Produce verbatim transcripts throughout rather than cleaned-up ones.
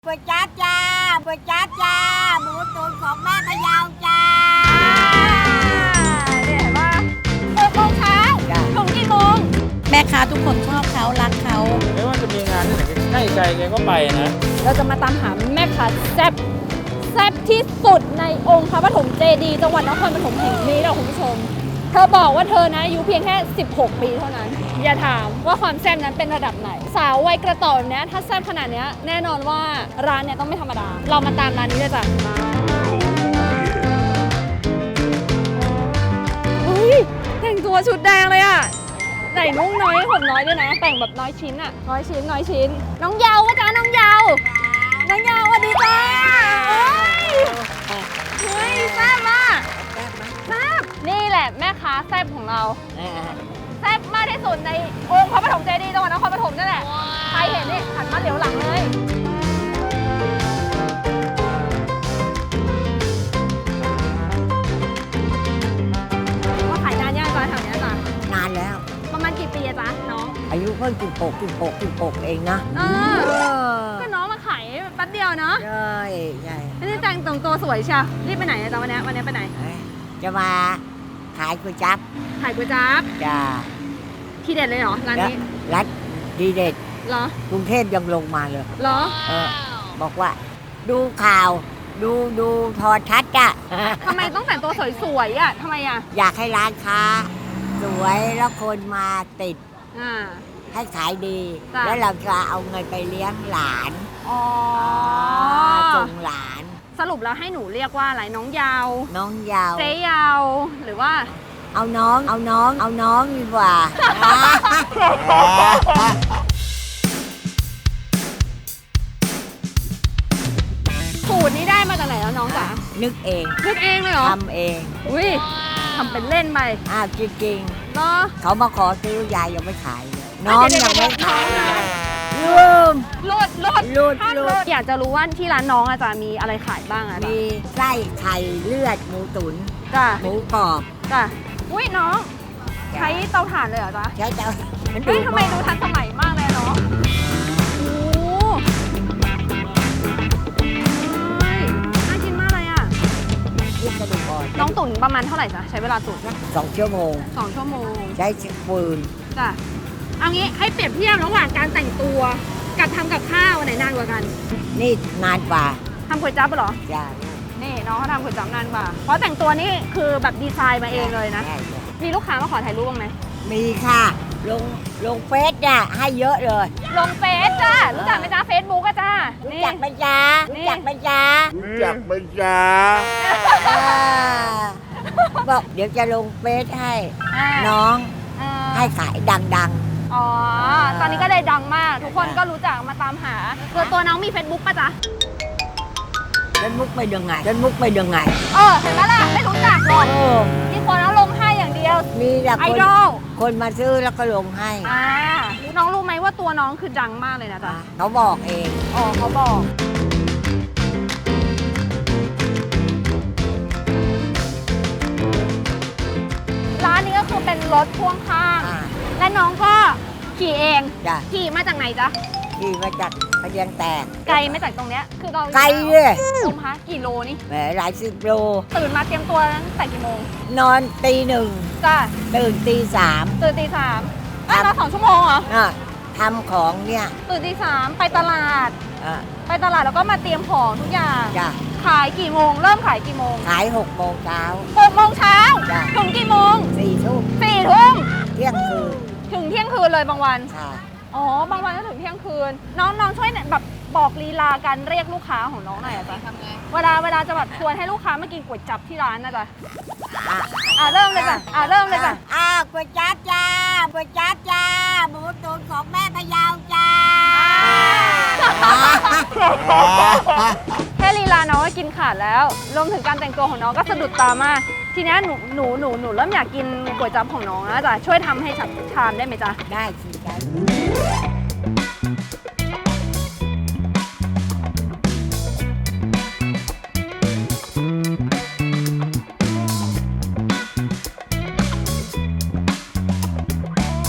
ก๋วยจั๊บจ้าก๋วยจั๊บจ้าหมูตุ๋นของแม่พะเยาจ้าเนี่ยเห็นว่าหกโมงเช้าถึงกี่โมงแม่ค้าทุกคนชอบเขารักเขาไม่ว่าจะมีงานที่ไหนใกล้ใจแกก็ไปนะเราจะมาตามหาแม่ค้าแซ่บแซ่บที่สุดในองค์พระปฐมเจดีย์จังหวัดนครปฐมแห่งนี้นะคุณผู้ชมเธอบอกว่าเธอนะอายุเพียงแค่สิบหกปีเท่านั้นอย่าถามว่าความแซ่บนั้นเป็นระดับไหนสาววัยกระต่ายเนี้ยถ้าแซ่บขนาดเนี้ยแน่นอนว่าร้านเนี้ยต้องไม่ธรรมดาเรามาตามร้านนี้เลยจ้ะอุ้ยแต่งตัวชุดแดงเลยอ่ะใส่นุ่งน้อยผมน้อยด้วยนะแต่งแบบน้อยชิ้นอ่ะน้อยชิ้นน้อยชิ้นน้องเยาวจ้าน้องเยาวน้องเยาวสวัสดีจ้าเฮ้ยแซ่บมากแซ่บนี่แหละแม่ค้าแซ่บของเราแซ่บมากที่สุดในองค์พระปฐมเจดีย์จังหวัดนครปฐมนั่นแหละใครเห็นนี่หันมาเหลียวหลังเลยว่าขายนานยังจ๊ะแถวนี้จ๊ะนานแล้วประมาณกี่ปีอะจ๊ะน้องอายุเพิ่งสิบหกสิบหกสิบหกเองนะเออก็น้องมาขายแป๊บเดียวเนาะใช่ใช่นี่แต่งตรงตัวสวยเชียวรีบไปไหนอะจ๊ะวันนี้วันนี้ไปไหนจะมาขายก๋วยจั๊บขายก๋วยจั๊บจ้าที่เด็ดเลยเหรอร้านนี้ร้านดีเด็ดเหรอกรุงเทพยังลงมาเลยเหรอเออบอกว่าดูข่าวดูดูโทรทัศน์อะทำไมต้องแต่งตัวสวยๆอะทำไมอะอยากให้ร้านค้าสวยแล้วคนมาติดให้ขายดีแล้วเราจะเอาเงินไปเลี้ยงหลานอ๋อส่งหลานสรุปแล้วให้หนูเรียกว่าอะไรน้องยาวน้องยาวเจ๊ยาวหรือว่าเอาน้องเอาน้องเอาน้องดีกว่าสูตรนี้ได้มาจากไหนแล้วน้องจ๋านึกเองนึกเองเลยเหรอทำเองอุ้ยทำเป็นเล่นไปอ้าวจริงๆเนาะเขามาขอซื้อยายยังไม่ขายเลยน้องยังไม่ขายลืมลดลดลดลดอยากจะรู้ว่าที่ร้านน้องอาจารย์มีอะไรขายบ้างอะมีไส้ไข่เลือดหมูตุ๋นจ้ะหมูกรอบจ้ะอุ้ยน้องใช้เตาถ่านเลยเหรอจ๊ะใช้เตาเฮ้ยทำไมดูทันสมัยมากเลยเนาะโอ้ยน่ากินมากเลยอะยิ่งกระดูกอ่อนน้องตุ๋นประมาณเท่าไหร่จ๊ะใช้เวลาตุ๋นสองชั่วโมงสองชั่วโมงใช้ฟืนจ้ะเอางี้ให้เปรียบเทียบระหว่างการแต่งตัวกับทำกับข้าวไหนนานกว่ากันนี่นานกว่าทำก๋วยจั๊บเหรอใช่นี่น้องเขาทำก๋วยจั๊บนานกว่าเพราะแต่งตัวนี่คือแบบดีไซน์มาเองเลยนะมีลูกค้ามาขอถ่ายรูปบ้างไหมมีค่ะลงลงเฟซเนี่ยให้เยอะเลยลงเฟซจ้ารู้จักไหมจ้าเฟซบุ๊กอะจ้ารู้จักไหมจ้ารู้จักไหมจ้ารู้จักไหมจ้าบอกเดี๋ยวจะลงเฟซให้น้องให้ขายดังๆอ๋อตอนนี้ก็เลยดังมากทุกคนก็รู้จักมาตามหาตัวตัวน้องมีเฟซบุ๊กป่ะจ๊ะเฟซบุ๊กไปยังไงเฟซบุ๊กไปยังไงเออเห็นไหมล่ะไม่รู้จักหรอกมีคนเอาลงให้อย่างเดียวมีแต่ไอดอลคนมาซื้อแล้วก็ลงให้อ่าน้องรู้ไหมว่าตัวน้องคือดังมากเลยนะจ๊ะเขาบอกเองอ๋อเขาบอกร้านนี้ก็คือเป็นรถพ่วงข้างและน้องก็ขี่เองขี่มาจากไหนจ๊ะขี่มาจากพะเยียงแตกไกลไม่จากตรงเนี้ยคือเราไกลเลยลงพักกี่โลนี่แหมหลายสิบโลตื่นมาเตรียมตัวตั้งแต่กี่โมงนอนตีหนึ่งจ้ะตื่นตีสามตื่นตีสามอ่ะนอนสองชั่วโมงเหรออ่ะทำของเนี่ยตื่นตีสามไปตลาดไปตลาดแล้วก็มาเตรียมของทุกอย่างจ้ะขายกี่โมงเริ่มขายกี่โมงขายหกโมงเช้าหกโมงเช้าถึงกี่โมงสี่ทุ่มสี่ทุ่มเที่ยงคืนถึงเที่ยงคืนเลยบางวันอ๋อบางวันก็ถึงเที่ยงคืนน้องน้องช่วยแบบบอกลีลาการเรียกลูกค้าของน้องหน่อยอะจ๊ะเวลาเวลาจะแบบชวนให้ลูกค้ามากินก๋วยจั๊บที่ร้านนะจ๊ะอ่ะเริ่มเลยจ้ะอ่ะเริ่มเลยจ้ะอ่ะก๋วยจั๊บจ้าก๋วยจั๊บจ้าหมูตุ๋นของแม่พะเยาจ้าแค่ลีลาน้องก็กินขาดแล้วรวมถึงการแต่งตัวของน้องก็สะดุดตามากทีนี้หนูหนูหนูหนูเริ่มอยากกินก๋วยจั๊บของน้องแล้วจ้ะช่วยทำให้ฉันทานได้ไหมจ๊ะได้สิได้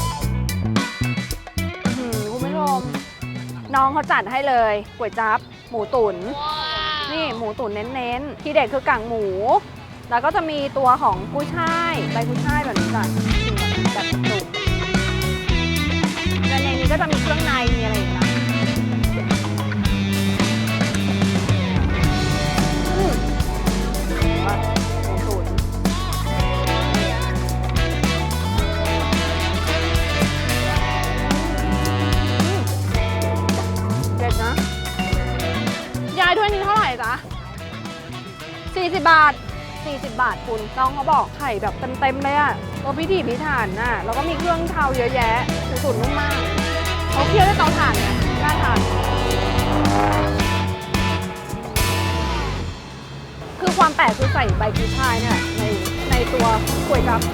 น้องเขาจัดให้เลยก๋วยจั๊บหมูตุ๋นนี่หมูตุ๋นเน้นๆที่เด็ดคือกากหมูแล้วก็จะมีตัวของกุ้ยช่ายใบกุ้ยช่ายแบบนี้จ้ะแบบจุกและในนี้ก็จะมีเครื่องในมีอะไรอย่างเงี้ยอืมหมูตุ๋นเด็ดนะยายถ้วยนี้เท่าไหร่จ๊ะสี่สิบบาทสี่สิบบาทคุณน้องเขาบอกไข่แบบเต็มๆเลยอะตัวพิถีพิถันน่ะแล้วก็มีเครื่องเทาเยอะแยะหมูตุ๋นนุ่มมากเขาเคี่ยวด้วยเตาถ่านไงน่าทานคือความแปลกคือใส่ใบกุ้ยช่ายเนี่ยในในตัวก๋วยจั๊บ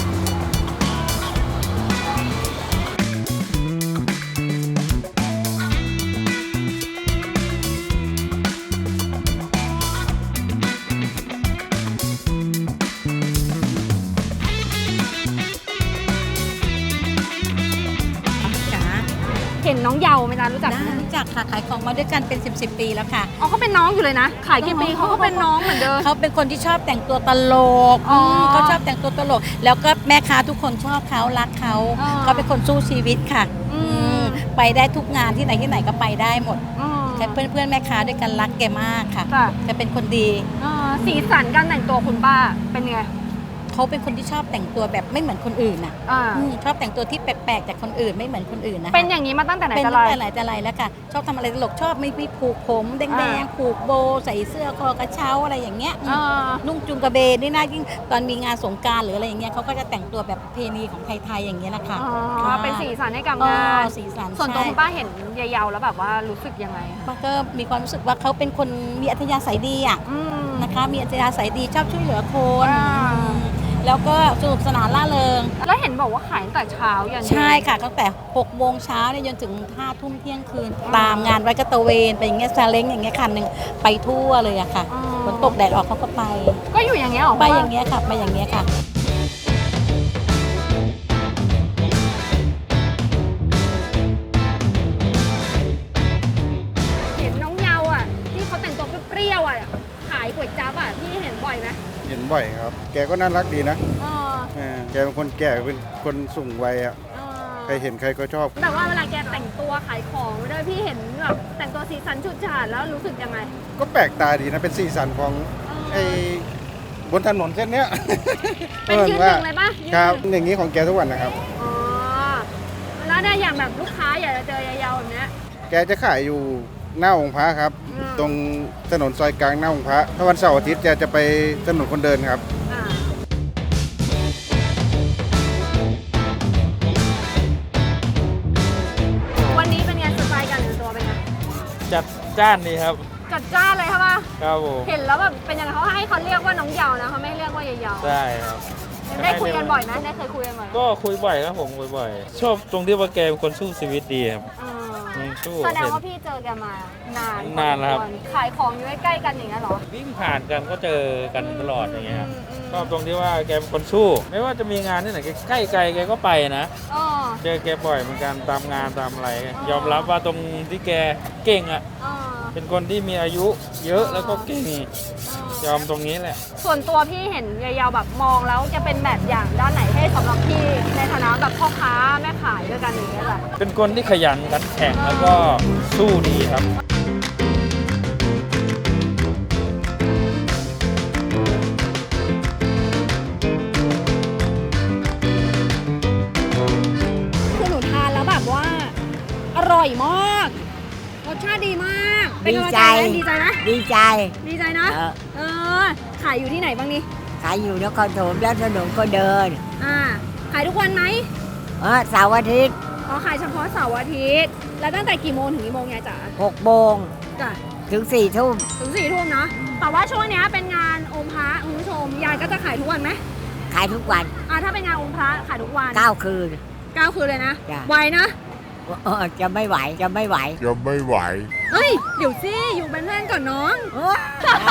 เห็นน้องเยาไหมจ๊ะรู้จักไหมรู้จักค่ะขายของมาด้วยกันเป็น สิบ สิบ ปีแล้วค่ะอ๋อเขาเป็นน้องอยู่เลยนะขายกี่ปีเขาก็เป็นน้องเหมือนเดิมเขาเป็นคนที่ชอบแต่งตัวตลกอ๋อมเขาชอบแต่งตัวตลก แล้วก็แม่ค้าทุกคนชอบเขารักเขาอ๋อเขาเป็นคนสู้ชีวิตค่ะอืมอืมไปได้ทุกงานที่ไหนที่ไหนก็ไปได้หมดอืมแต่เพื่อนเพื่อนๆแม่ค้าด้วยกันรักแกมากค่ะค่ะจะเป็นคนดีอ่าสีสันการแต่งตัวคุณป้าเป็นไงเขาเป็นคนที่ชอบแต่งตัวแบบไม่เหมือนคนอื่นน่ะอ่าอืมชอบแต่งตัวที่แปลกๆจากคนอื่นไม่เหมือนคนอื่นนะคะเป็นอย่างนี้มาตั้งแต่ไหนเป็นแต่ตั้ไรงแต่ไหนแต่ไรแล้วค่ะ ชอบทำอะไรตลกชอบไม่ไม่ผูกผมแดอ่างๆผูกโบว์ใส่เสื้อคอกระเช้าอะไรอย่างเงี้ยอืมอ่านุ่งจุงกระเบนนี่นะยิ่งตอนมีงานสงกรานต์หรืออะไรอย่างเงี้ยเขาก็จะแต่งตัวแบบประเพณีของไทยๆอย่างเงี้ยแหละค่ะอ๋อค่ะเป็นสีสันให้กับอ๋องานสีสันส่วนตัวใช่คุณป้าเห็นยายเยาแล้วแบบว่ารู้สึกยังไงคะมันก็มีความรู้สึกว่าเขาเป็นคนมีอัธยาศัยดีอ่ะอืมนะคะ มีอัธยาศัยดีชอบช่วยเหลือคนอ่าอืมแล้วก็สนุกสนานล่าเริงแล้วเห็นบอกว่าขายตั้งแต่เช้ายันเย็นใช่ค่ะตั้งแต่หกโมงเช้าเนี่ยจนถึงห้าทุ่มเที่ยงคืน ตามงานไว้ก็ตระเวนไปอย่างเงี้ยซาเล้งอย่างเงี้ยคันหนึ่งไปทั่วเลยอะค่ะอ๋อฝนตกแดดออกเขาก็ไปก็อยู่อย่างเงี้ยเหรอไปอย่างเงี้ยค่ะไปอย่างเงี้ยค่ะเห็นน้องเยาอ่ะที่เขาแต่งตัวเปรี้ยวๆอ่ะขายก๋วยจั๊บอ่ะพี่เห็นบ่อยไหมเห็นบ่อยครับ แกก็น่ารักดีนะอ๋อเออแกเป็นคนแก่เป็นคนสูงวัยอ่ะอ๋อใครเห็นใครก็ชอบแต่ว่าเวลาแกแต่งตัวขายของด้วยพี่เห็นแบบแต่งตัวสีสันฉูดฉาดแล้วรู้สึกยังไงก็แปลกตาดีนะ เป็นสีสันของไอ้บนถนนเส้นเนี้ยเป็นยืนหนึ่งเลยปะยืนหนึ่งครับอย่างนี้ของแกทุกวันนะครับอ๋อแล้วได้อย่างแบบลูกค้าอยากจะเจอยายาแบบเนี้ยแกจะขายอยู่หน้าองค์พระครับอืมตรงถนนซอยกลางหน้าองค์พระถ้าวันเสาร์อาทิตย์แกจะไปถนนคนเดินครับอ่าวันนี้เป็นไงสไตล์การแต่งตัวเป็นไงจัดจ้านดีครับจัดจ้านเลยครับว่าครับผมเห็นแล้วแบบเป็นยังไงเขาให้เขาเรียกว่าน้องเยานะเขาไม่เรียกว่ายายาใช่ครับได้คุยกันบ่อยไหมได้เคยคุยกันบ่อยไหมก็คุยบ่อยครับผมคุยบ่อย ชอบตรงที่ว่าแกเป็นคนสู้ชีวิตดีครับอ่าอืมสู้แสดงเห็นว่าพี่เจอแกมานานนานแล้วครับขายของอยู่ใกล้ๆกันอย่างเงี้ยเหรอวิ่งผ่านกันก็เจอกันตลอดอย่างเงี้ยครับมมชอบตรงที่ว่าแกเป็นคนสู้ ไม่ว่าจะมีงานที่ไหนใกล้ไกลแกก็ไปนะอ๋อเจอแกบ่อยเหมือนกันตามงานตามอะไรอ๋อยอมรับว่าตรงที่แกเก่งอ่ะอ๋อเป็นคนที่มีอายุเยอะแล้วก็เก่งอ๋ยออมตรงนี้แหละส่วนตัวพี่เห็นยายาแบบมองแล้วจะเป็นแบบอย่างด้านไหนให้สำหรับพี่ในฐานะแบบพ่อค้าแม่ขายด้วยกันอย่างเงี้ยแหละเป็นคนที่ขยันขันแข็งแล้วก็สู้ดีครับคือหนูทานแล้วแบบว่า อร่อยมากรสชาติดีมากเป็นกำลังใจไหมดีใจไหมดีใจดีใจนะเออเออขายอยู่ที่ไหนบ้างนี่ขายอยู่นครปฐมแล้วถนนก็เดินอ่าขายทุกวันไหมเออเสาร์อาทิตย์อ๋อขายเฉพาะเสาร์อาทิตย์แล้วตั้งแต่กี่โมงถึงกี่โมงยายจ๋าหกโมงจ้ะถึงสี่ทุ่มถึงสี่ทุ่มเนาะแต่ว่าช่วงเนี้ยเป็นงานองค์พระคุณผู้ชมยายก็จะขายทุกวันไหมขายทุกวันอ่าถ้าเป็นงานองค์พระขายทุกวันเก้าคืนเก้าคืนเลยนะจ้ะไวนะเออจะไม่ไหวจะไม่ไหวจะไม่ไหวเฮ้ยเดี๋ยวสิอยู่เป็นเพื่อนก่อนน้องเออ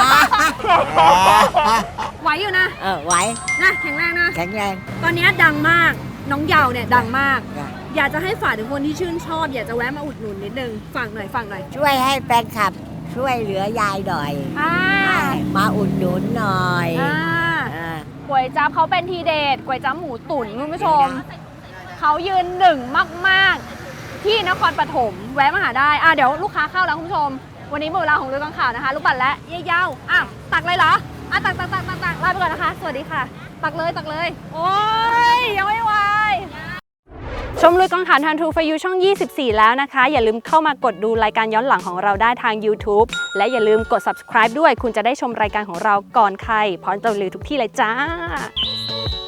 ไหวอยู่นะเออไหวนะแข็งแรงนะแข็งแรงตอนเนี้ยดังมากน้องเยาเนี่ยดังมากจ้ะอยากจะให้ฝากถึงคนที่ชื่นชอบ อยากจะแวะมาอุดหนุนนิดนึงฝากหน่อยฝากหน่อยช่วยให้แฟนคลับช่วยเหลือยายหน่อยอ่ามาอุดหนุนหน่อยอ่าอ่าก๋วยจั๊บเขาเป็นทีเด็ดก๋วยจั๊บหมูตุ๋นคุณผู้ชมเขายืนหนึ่งมากๆ ที่นครปฐมแวะมาหาได้อ่ะเดี๋ยวลูกค้าเข้าแล้วคุณผู้ชม วันนี้หมดเวลาของเรื่องข่าวนะคะลูกปัดและเยี่ยาวอ่ะตักเลยเหรออ่ะตักตักตักตักตักลาไปก่อนนะคะ สวัสดีค่ะ ตักเลยตักเลย โอ้ยยังไม่ไหวชมลุยกองถ่านทันทูฟยูช่องยี่สิบสี่แล้วนะคะอย่าลืมเข้ามากดดูรายการย้อนหลังของเราได้ทาง YouTube และอย่าลืมกด ซับสไครบ์ ด้วยคุณจะได้ชมรายการของเราก่อนใครพร้อมจะรีวิวทุกที่เลยจ้า